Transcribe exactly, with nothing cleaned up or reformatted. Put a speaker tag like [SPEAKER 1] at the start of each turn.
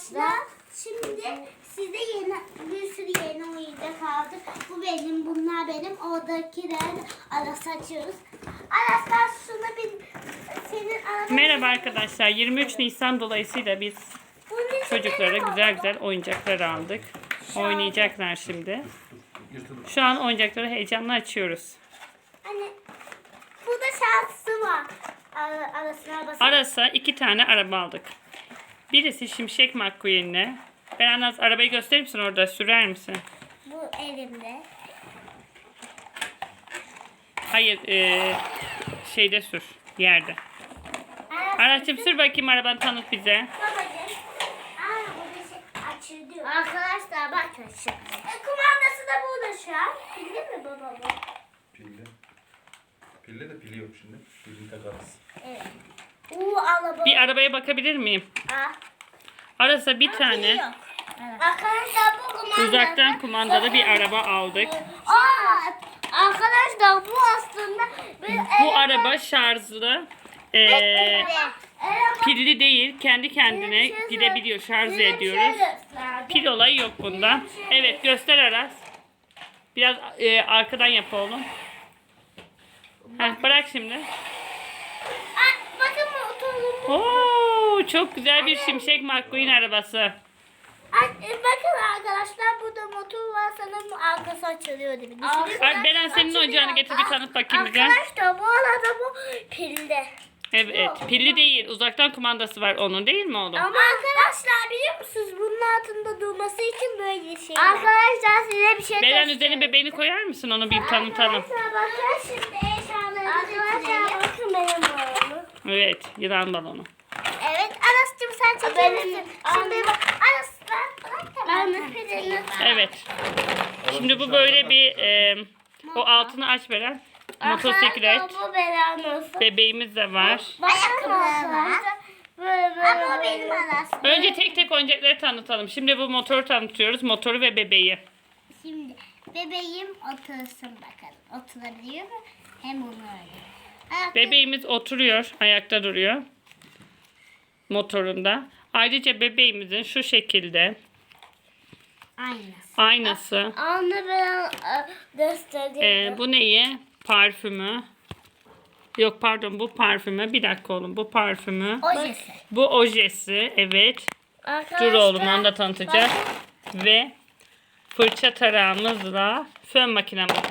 [SPEAKER 1] arkadaşlar. Şimdi size yeni bir sürü yeni oyuncak aldık. Bu benim, bunlar benim. Oradakiler arası açıyoruz. Arkadaşlar şunu bir senin arada...
[SPEAKER 2] Merhaba arkadaşlar. yirmi üç Nisan dolayısıyla biz çocuklara güzel güzel oyuncaklar aldık. Oynayacaklar şimdi. Şu an oyuncakları heyecanla açıyoruz.
[SPEAKER 1] Hani burada şansı var. Ara, arasına basın.
[SPEAKER 2] Aras'a iki tane araba aldık. Birisi Şimşek McQueen'le. Berenaz arabayı gösterir misin orada? Sürer misin?
[SPEAKER 1] Bu elimde.
[SPEAKER 2] Hayır, ee, şeyde sür. Yerde. Araç'cığım sür bakayım arabanı, tanıt bize.
[SPEAKER 1] Babacığım. Aa, burada şey açılıyor. Arkadaşlar bakın şu. E, kumandası da burada şu an. Pilli mi baba bu?
[SPEAKER 3] Pilli. Pilli de pili yok şimdi. Pilini takarız.
[SPEAKER 1] Evet. Uuu araba.
[SPEAKER 2] Bir arabaya bakabilir miyim?
[SPEAKER 1] Aa.
[SPEAKER 2] Aras'a bir
[SPEAKER 1] Pili
[SPEAKER 2] tane
[SPEAKER 1] yok. Arkadaşlar bu kumandası.
[SPEAKER 2] uzaktan kumandalı bir araba aldık.
[SPEAKER 1] Aa, arkadaşlar bu aslında bir
[SPEAKER 2] Bu araba şarjlı. Ee, pilli değil. Kendi kendine gidebiliyor. Şarj ediyoruz. Pil olayı yok bunda. Evet, göster Aras. Biraz e, arkadan yap oğlum. Heh, bırak şimdi.
[SPEAKER 1] Aa, bakın bu oturduğum.
[SPEAKER 2] Oo, çok güzel bir Şimşek McQueen arabası.
[SPEAKER 1] Ay, e, bakın arkadaşlar burada motor var, sanırım arkası açılıyor değil mi?
[SPEAKER 2] Ay, Beren senin oyuncağını getir, bir tanıt bakayım bize.
[SPEAKER 1] Arkadaşlar bu arada bu pilde.
[SPEAKER 2] Evet, pilli değil. Uzaktan kumandası var onun, değil mi oğlum?
[SPEAKER 1] Ama arkadaşlar biliyor musunuz bunun altında durması için böyle şey. Arkadaşlar size bir şey
[SPEAKER 2] Beren üzerine bebeğini koyar mısın, onu bir tanıtalım.
[SPEAKER 1] Arkadaşlar bakın şimdi eşyaları Arkadaşlar bakın benim oğlum.
[SPEAKER 2] Evet, yılan balonu.
[SPEAKER 1] Evet Aras'cığım sen çekebilirsin. Şimdi bak Aras ben bırak tamam. Ben pilini.
[SPEAKER 2] Evet. Şimdi bu böyle bir e, o altını aç Beren. Motosiklet.
[SPEAKER 1] Bu Beren olsun.
[SPEAKER 2] Bebeğimiz de var.
[SPEAKER 1] Ayakkabılar var. Böyle böyle. Ama o benim Aras.
[SPEAKER 2] Önce tek tek oyuncakları tanıtalım. Şimdi bu motoru tanıtıyoruz. Motoru ve bebeği.
[SPEAKER 1] Şimdi bebeğim otursun bakalım. Oturabiliyor mu? Hem onu öyle. Ayakkabı-
[SPEAKER 2] Bebeğimiz oturuyor. Ayakta duruyor. Motorunda. Ayrıca bebeğimizin şu şekilde
[SPEAKER 1] Aynısı.
[SPEAKER 2] aynası.
[SPEAKER 1] Anne ben e, göstereyim.
[SPEAKER 2] E, bu neyi? Parfümü. Yok pardon, bu parfümü. Bir dakika oğlum, bu parfümü.
[SPEAKER 1] Ojesi.
[SPEAKER 2] Bu ojesi. Evet. Dur oğlum, onu da tanıtacak. Ve fırça tarağımızla fön makinamız